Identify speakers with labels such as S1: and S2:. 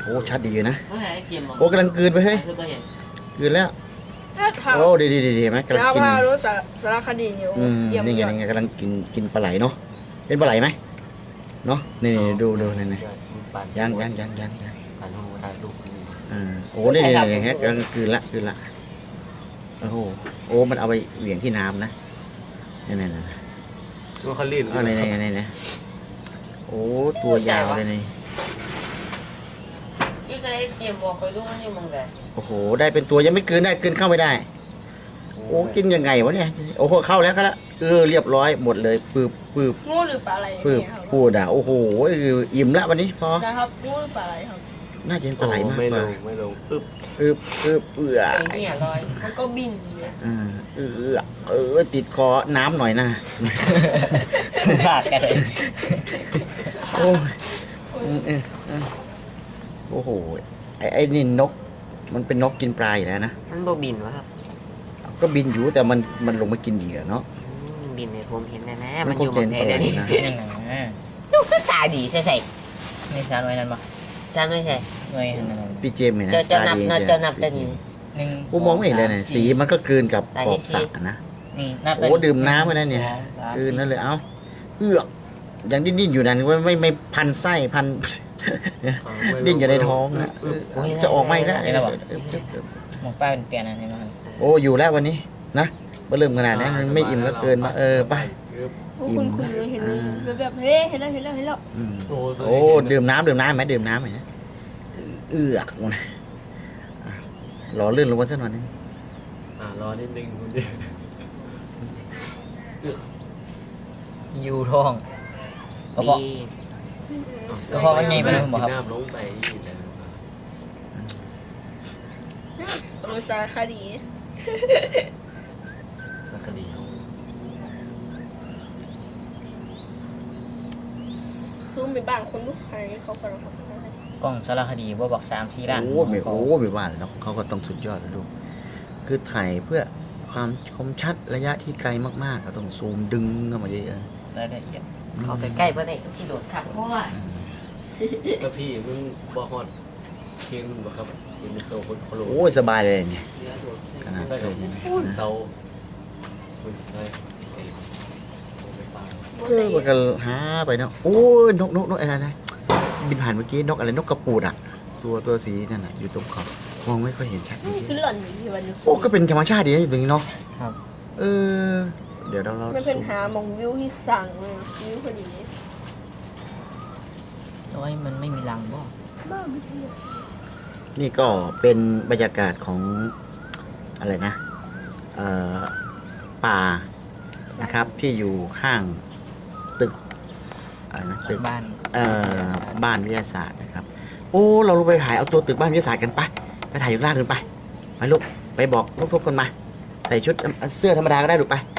S1: โอ้ชัดดีอยู่นะ
S2: ไม่ให้เกมหรอก
S1: โอ้กำลังกลืนไปเฮ้ย
S2: คือไม่เห็น
S1: กลืนแล้ว
S3: ถ้า
S1: โอ้ดีไหมกำลัง
S3: แล้ว
S1: กิน
S3: พารู้สารคดีอยู่ เยี่ยม
S1: นี่ไง
S3: ยอด
S1: นี่ไงกำลังกินปลาไหลเนาะเป็นปลาไหลไหมเนาะนี่ดูนี่ยัง
S2: ปั่นหูถ่ายรูป
S1: โอ้นี่ฮะกำลังกลืนละโอ้โหโอ้มันเอาไปเหวี่ยงที่น้ำนะนี่
S2: ตัวเขาลื่น
S1: เอานี่โอ้ตัวยาวเลยนี่
S2: ยูใช้เกมบอกคอยรู้มันอยู่มองไหน
S1: โอ้โหได้เป็นตัวยังไม่กลืนได้กลืนเข้าไม่ได้โอ้กินยังไงวะเนี่ยโอ้โหเข้าแล้วเรียบร้อยหมดเลยปืบ
S3: งูหรือปลาอะไร
S1: ปืบ
S3: เนี่ยครับ
S1: พูดโอ้โหอิ่มละวันนี้พอ
S3: นะครับงูหรือปลาอะไรครับ
S1: น่าจะเป็นปลาไหลมาก
S2: ไม่
S1: ก
S2: ล
S1: ว่าง
S2: ไม่ลงอึ๊บ
S1: เอือ
S2: ไอ้เนี่ยลอย
S3: มันก็บินเนี่ย
S1: ติดคอน้ำหน่อยนะ
S4: พลาดกันเลย
S1: โอ้โอ้โหไอ้นี่นก มันเป็นนกกินปลาอยู่แล้วนะ
S2: มันโบบินวะครับ
S1: ก็บินอยู่แต่มันลงมากินเหยื่อเนาะ
S2: บินเนี่ยผมเห็นแน่ๆ
S1: มั
S2: มัน น
S1: ค
S2: อง ยู่
S1: เจ
S2: มอน งไหน
S1: ปลาไหล
S2: เดี๋ยวนี้
S1: นะ
S4: ยังไง
S2: จุกตาดีใส่
S4: นี่ชาหน่วยนั้นปะ
S2: ซ้ำไม่ใช่
S4: หน่วยนั้น
S1: พี่เจมส์เห็นนะ
S2: จะนับ
S1: ตาดี
S2: จะนับแต่
S1: พี่
S2: นี้
S1: เจมส์
S4: หนึ่ง
S1: กูมองไม่เห็นเลยเนี่ยสีมันก็กลืนกับ
S2: ตา
S1: ข
S2: ดี
S1: อบสระ
S2: สิ
S1: นะ
S4: นี่นับ
S1: โอ้ดื่มน้ำไปนะเนี่ยกลืนนั่นเลยเอ้าเอือกยังดิ้นอยู่นั่นไม่พันไส้พัน ดิ้นอยู่ในท้องนะจะออกไม่ได้
S4: หมกป้าเป็นเปลี่ยนอะไรมา
S1: โอ้อยู่แล้ววันนี้นะมาเริ่มขนาดนี้มันไม่อิ่มแล้วเกินมาไป
S3: คุณเห็นแบบเฮ้ยเห็นแล้ว
S1: โอ้ดื่มน้ำไหมดื่มน้ำไหมเอือกนะรอลื่นลงมาสักหน่อยนึง
S2: รอนิดนึงคุณดิ
S4: ยูท้องกระเพาะกระเพาะมันไงไปเลยบอกครับ
S2: น้ำลงไปอยู่แล้ว
S3: รู้สารคดี
S2: มันก็ดี
S3: ซูมไปบ้านคนลูกใครเขากำลังทำอะไร
S4: กล้องสารคดีว่าบอก3-4ล้าน
S1: โอ้ไม่ว่าเลยเนาะเขาก็ต้องสุดยอดแล้วลูกคือถ่ายเพื่อความคมชัดระยะที่ไกลมากๆก็ต้องซูมดึงเข้ามาเยอะ
S4: รายละเอียด
S2: เขาไปใกล้เพื่อนไอ้ชิโดดขับเพราะว่า
S5: ก็พี่มึงบอฮอดเคียงมึงบ่ครับเป็นโตคนโคโล
S1: โอ้สบายเลยเนี่ย
S2: เสือโดดใส่
S1: ขนาด
S5: ใช่ครับ
S1: นี้
S5: เสาคุณใช่โอ้ไม่ฟัง
S1: มันก็หาไปเนาะโอ้ยนกอะไรบินผ่านเมื่อกี้นกอะไรนกกระปูดอ่ะตัวสีนั่นน่ะอยู่ตรงขอบมองไม่ค่อยเห็นชัด
S3: คือหล่อนอยู่ที่วันนี้
S1: โอ้ก็เป็นธรรมชาติดีนะอยู่ตรงนี้เนาะ
S4: ครับ
S1: เดี๋ยวเรา
S3: ไม่เป็นหามองวิวที่สั่งเลยวิวพอดี
S4: น้อยมันไม่มีรังบ่
S3: บ้าไม่ใช่
S1: นี่ก็เป็นบรรยากาศของอะไรนะป่านะครับที่อยู่ข้างตึกอะไรนะตึก
S4: บ้าน
S1: บ้านวิทยาศาสตร์นะครับโอ้เราลงไปถ่ายเอาตัวตึกบ้านวิทยาศาสตร์กันไปถ่ายอยู่ล่างกันไปลูกไปบอกทุกคนมาใส่ชุดเสื้อธรรมดาก็ได้ลูกไป